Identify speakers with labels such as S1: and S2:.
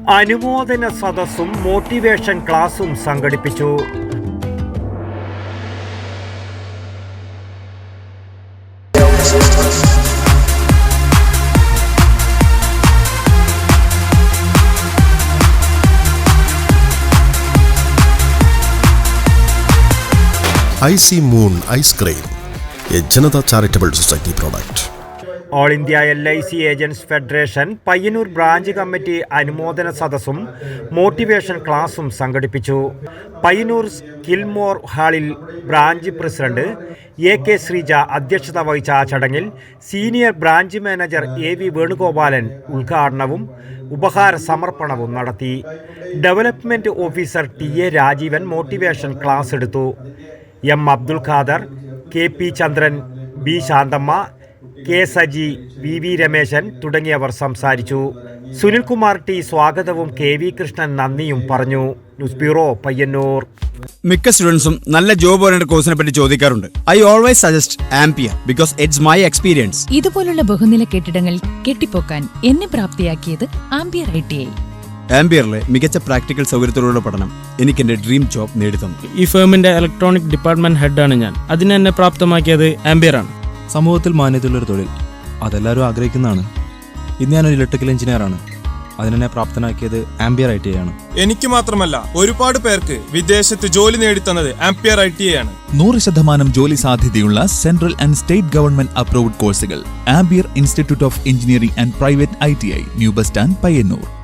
S1: അനുമോദന സദസ്സും മോട്ടിവേഷൻ ക്ലാസും സംഘടിപ്പിച്ചു.
S2: IC Moon Ice Cream, a Janata Charitable Society product.
S1: All India LIC agents federation Payyanur branch committee അനുമോദന സദസ്സും മോട്ടിവേഷൻ ക്ലാസും സംഘടിപ്പിച്ചു. പയ്യന്നൂർ സ്കിൽമോർ ഹാളിൽ ബ്രാഞ്ച് പ്രസിഡന്റ് AK ശ്രീജ അധ്യക്ഷത വഹിച്ച ആ ചടങ്ങിൽ senior branch manager AV Venugopalan ഉദ്ഘാടനവും ഉപഹാര സമർപ്പണവും നടത്തി. Development officer TA Rajeevan motivation class എടുത്തു. M Abdul Khader, KP Chandran, B Shanthamma, K Saji, VV Rameshan തുടങ്ങിയവർ സംസാരിച്ചു. സുനിൽകുമാർ T സ്വാഗതവും KV കൃഷ്ണൻ നന്ദിയും പറഞ്ഞു. News bureau, Payyanur.
S3: മിക്ക സ്റ്റുഡൻസും നല്ല ജോബ് ഓറിയന്റഡ് കോഴ്സിനെ പറ്റി ചോദിക്കാറുണ്ട്. I always suggest Ampere because it's my experience.
S4: ഇതുപോലുള്ള ബഹുനില കെട്ടിടങ്ങൾ കെട്ടിപ്പൊക്കാൻ എന്നെ പ്രാപ്തിയാക്കിയത് ആംപിയർ ITI.
S3: ആംപിയറിലെ മികച്ച പ്രാക്ടിക്കൽ സൗകര്യത്തോടുള്ള പഠനം എനിക്ക് എന്റെ ഡ്രീം ജോബ് നേടിത്തന്നു.
S5: ഈ ഫേമിന്റെ ഇലക്ട്രോണിക് ഡിപ്പാർട്ട്മെന്റ് ഹെഡാണ് ഞാൻ. അതിനെ എന്നെ പ്രാപ്തമാക്കിയത് ആംപിയറാണ്.
S6: സമൂഹത്തിൽ മാന്യതയുള്ളൊരു തൊഴിൽ അതെല്ലാവരും ആഗ്രഹിക്കുന്നതാണ്. ഇന്ന് ഞാനൊരു ഇലക്ട്രിക്കൽ എഞ്ചിനീയറാണ്. അതിനെന്നെ പ്രാപ്തനാക്കിയത് ആംപിയർ ITI ആണ്.
S7: എനിക്ക് മാത്രമല്ല, ഒരുപാട് പേർക്ക് വിദേശത്ത് ജോലി നേടിത്തന്നത് ആംപിയർ ITI ആണ്.
S8: 100% ജോലി സാധ്യതയുള്ള central and state government approved കോഴ്സുകൾ. Ampere institute of engineering and private ITI, new bus stand, Payyanur.